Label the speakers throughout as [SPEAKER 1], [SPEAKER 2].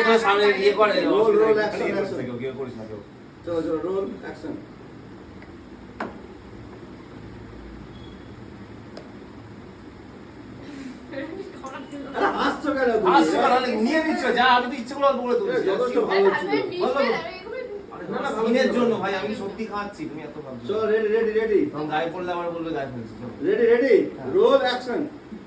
[SPEAKER 1] তো সামনে ইয়ে করে
[SPEAKER 2] রোল অ্যাকশন
[SPEAKER 1] কেউ করিস না কেউ।
[SPEAKER 2] চলো চলো রোল অ্যাকশন। হাসছো কেন তুমি?
[SPEAKER 1] আসছে মানে নিয়ে নিচ্ছ যা আমি তো ইচ্ছে করে অল্প করে তুলছি
[SPEAKER 2] যথেষ্ট ভালো ছিল।
[SPEAKER 1] সিনের জন্য ভাই আমি সত্যি খাচ্ছি তুমি এত ভাবছো
[SPEAKER 2] চলো রেডি রেডি রেডি
[SPEAKER 1] তখন গায়ে পড়লে আবার বলবে গায়ে ফেলছি চলো।
[SPEAKER 2] Ready ready roll action.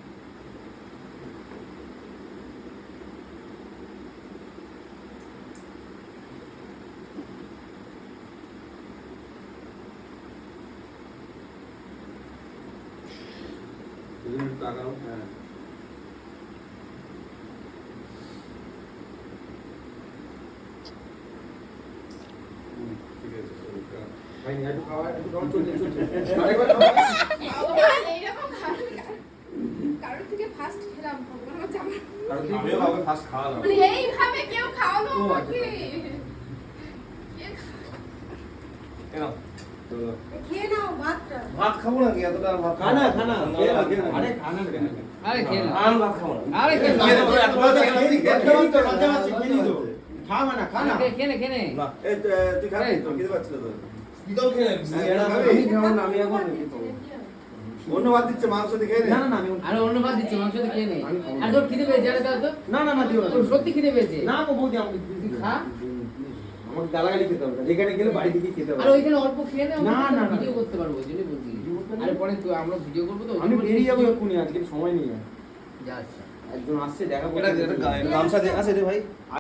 [SPEAKER 2] তাকাও হ্যাঁ ঠিক আছে ভাই একটু খাওয়া চলছে আরেকবার খাওয়া।
[SPEAKER 3] কারোর থেকে ফার্স্ট খেলাম ভগবান আমার জামা
[SPEAKER 1] আমিও কাউকে ফার্স্ট খাওয়ালাম
[SPEAKER 3] মানে এইভাবে কেউ খাওয়ালো
[SPEAKER 2] ও, আচ্ছা,
[SPEAKER 3] আমাকে
[SPEAKER 1] কেন
[SPEAKER 2] চলো
[SPEAKER 3] খেয়ে নাও ভাতটা
[SPEAKER 1] ভাত খাবো না কি এতটা ভাত
[SPEAKER 2] খানা খানা খেয়ে নাও, খেয়ে নাও।
[SPEAKER 4] আরে খানা কেন?
[SPEAKER 5] আরে খেয়ে নাও।
[SPEAKER 1] আমি ভাত খাবো না
[SPEAKER 5] আরে খেয়ে নাও।
[SPEAKER 1] খেয়ে দেবো, এত বড় ছেলে আমি
[SPEAKER 2] খেয়ে নিতে মজা আছে খেয়ে নিতে
[SPEAKER 4] খা মানে খানা।
[SPEAKER 5] খেয়ে নে, খেয়ে নে।
[SPEAKER 1] না
[SPEAKER 2] এই তুই খাবি তো খেতে পাচ্ছিস তো
[SPEAKER 1] কি তো খেয়ে নিবি?
[SPEAKER 4] আমি খাবো না, আমি এখন
[SPEAKER 2] অন্য ভাত দিচ্ছে মাংস দিয়ে খেয়ে নে
[SPEAKER 4] না না না আমি
[SPEAKER 5] আরে অন্য ভাত দিচ্ছি, মাংস দিয়ে খেয়ে নে।
[SPEAKER 4] আমি খাবো না।
[SPEAKER 5] আর তোর খিদে পেয়েছে, আরে দাও তো।
[SPEAKER 4] না না না দিও না
[SPEAKER 5] তোর সত্যি খিদে পেয়েছে।
[SPEAKER 4] না গো বৌদি আমাকে
[SPEAKER 5] তুই খা।
[SPEAKER 4] আমাকে গালাগালি খেতে হবে না। যেখানে গেলে বাড়ি থেকে খেতে
[SPEAKER 5] আর
[SPEAKER 4] হবে
[SPEAKER 5] ওইখানে অল্প খেয়ে নে,
[SPEAKER 4] না, না, না।
[SPEAKER 5] ভিডিও করতে পারবো, ওই জন্যই বলছি। আরে পরে তুই আমরা ভিডিও করবো তো, ওই
[SPEAKER 4] আমি
[SPEAKER 5] জন্য
[SPEAKER 4] বেরিয়ে যাবো
[SPEAKER 5] বলছি।
[SPEAKER 4] এক্ষুনি, আজকে সময় নেই আর।
[SPEAKER 5] যা আচ্ছা।
[SPEAKER 4] একজন আসছে দেখা
[SPEAKER 1] এটা গামছা দিয়ে আছে রে ভাই